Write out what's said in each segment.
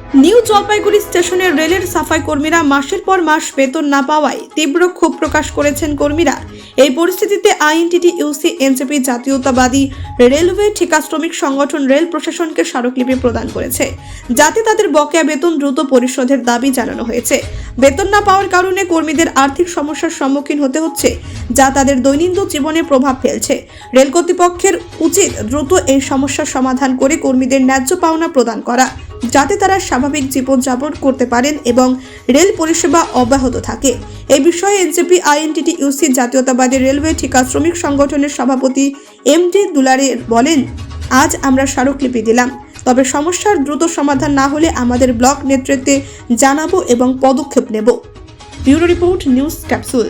New Jalpaiguri স্টেশনের রেলের সাফাই কর্মীরা মাসের পর মাস বেতন না পাওয়ায় তীব্র ক্ষোভ প্রকাশ করেছেন কর্মীরা। এই পরিস্থিতিতে আইএনটিটিইউসি এনজেপি জাতীয়তাবাদী রেলওয়ে ঠিকা শ্রমিক সংগঠন রেল প্রশাসনকে স্মারকলিপি প্রদান করেছে, যাতে তাদের বকেয়া বেতন দ্রুত পরিশোধের দাবি জানানো হয়েছে। বেতন না পাওয়ার কারণে কর্মীদের আর্থিক সমস্যার সম্মুখীন হতে হচ্ছে, যা তাদের দৈনন্দিন জীবনে প্রভাব ফেলছে। রেল কর্তৃপক্ষের উচিত দ্রুত এই সমস্যার সমাধান করে কর্মীদের ন্যায্য পাওনা প্রদান করা, যাতে তারা স্বাভাবিক জীবনযাপন করতে পারেন এবং রেল পরিষেবা অব্যাহত থাকে। এই বিষয়ে এনজেপি আইএনটিটিইউসি জাতীয়তাবাদী রেলওয়ে ঠিকা শ্রমিক সংগঠনের সভাপতি এমডি দুলারে বলেন, আজ আমরা স্মারকলিপি দিলাম, তবে সমস্যার দ্রুত সমাধান না হলে আমাদের ব্লক নেতৃত্বে জানাবো এবং পদক্ষেপ নেব। Bureau report, news capsule.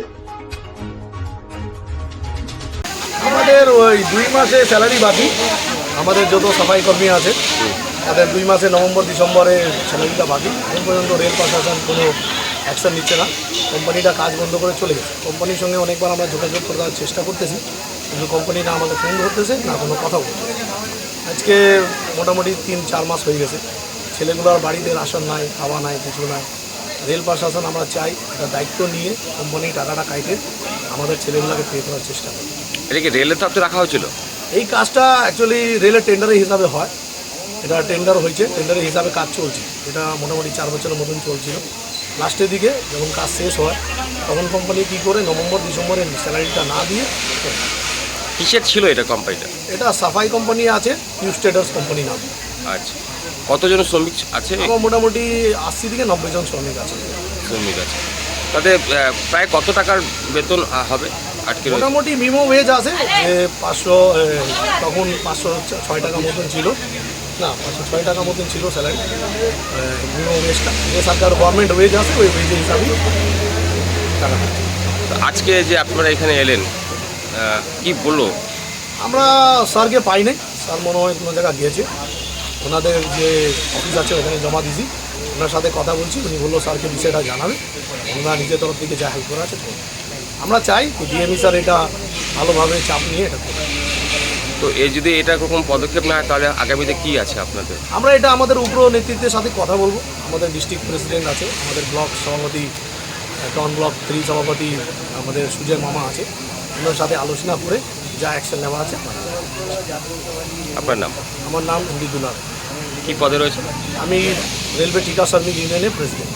আমাদের ওই 2 মাসে স্যালারি বাকি। আমাদের যত সাফাই কর্মী আছে তাদের 2 মাসে নভেম্বর ডিসেম্বরে স্যালারিটা বাকি। এখন পর্যন্ত রেল প্রশাসন কোনো অ্যাকশন নিচ্ছে না। কোম্পানিটা কাজ বন্ধ করে চলে গেছে। কোম্পানির সঙ্গে অনেকবার আমরা যোগাযোগ করার চেষ্টা করতেছি, কিন্তু কোম্পানি না আমাদের ফোন ধরতেছে, না কোনো কথা বলতেছে। আজকে মোটামুটি 3-4 মাস হয়ে গেছে। ছেলেগুলোর বাড়িতে রাশন নাই, খাওয়া নাই, কিছু নাই। রেল প্রশাসন আমরা চাই এটা দায়িত্ব নিয়ে কোম্পানি টাকাটা কাইটে আমাদের ছেলেগুলোকে পে করার চেষ্টা করে। এটা কি রেলের তরফে রাখা হয়েছিল? এই কাজটা অ্যাকচুয়ালি রেলের টেন্ডারের হিসাবে হয়। এটা টেন্ডার হয়েছে, টেন্ডারের হিসাবে কাজ চলছে। এটা মোটামুটি 4 বছরের মতন চলছিল। লাস্টের দিকে যখন কাজ শেষ হয় তখন কোম্পানি কী করে নভেম্বর ডিসেম্বরে স্যালারিটা না দিয়ে কিসের ছিল এটা কোম্পানিটা? এটা সাফাই কোম্পানি আছে, নিউ স্টেটাস কোম্পানি নাম। আচ্ছা, কতজন শ্রমিক আছে? আমার মোটামুটি 80 থেকে 90 জন শ্রমিক আছে। শ্রমিক আছে, তাতে প্রায় কত টাকার বেতন হবে আটকে রয়েছে? মোটামুটি মিনিমাম ওয়েজ আছে যে 500, তখন 506 টাকা মতন ছিল, না 506 টাকা মতন ছিল স্যালারি মিনিমাম ওয়েজটা। যে সরকার গভর্নমেন্ট ওয়েজ আছে ওই ওয়েজের হিসাবেই টাকা। তো আজকে যে আপনারা এখানে এলেন, কি বললো? আমরা স্যারকে পাই নাই। স্যার মনে হয় কোনো জায়গায় গিয়েছে, ওনাদের যে অফিস আছে ওখানে জমা দিয়েছি। ওনার সাথে কথা বলছি, উনি বললো স্যারকে বিষয়টা জানাবে, ওনারা নিজের তরফ থেকে যা হেল্প করা আছে। আমরা চাই ডিএমই স্যার এটা ভালোভাবে চাপ নিয়ে এটা করবে। তো এই যদি এটা কোনো পদক্ষেপ না হয় তাহলে আগামীতে কি আছে আপনাদের? আমরা এটা আমাদের উপর নেতৃত্বের সাথে কথা বলবো। আমাদের ডিস্ট্রিক্ট প্রেসিডেন্ট আছে, আমাদের ব্লক সভাপতি, টাউন ব্লক 3 সভাপতি আমাদের সুজয় মামা আছে, ওনার সাথে আলোচনা করে যা অ্যাকশন নেওয়া আছে। আপনার নাম? আমার নাম এমডি দুলার। কি পদে রয়েছে? আমি রেলওয়ে ঠিকা শ্রমিক ইউনিয়নের প্রেসিডেন্ট।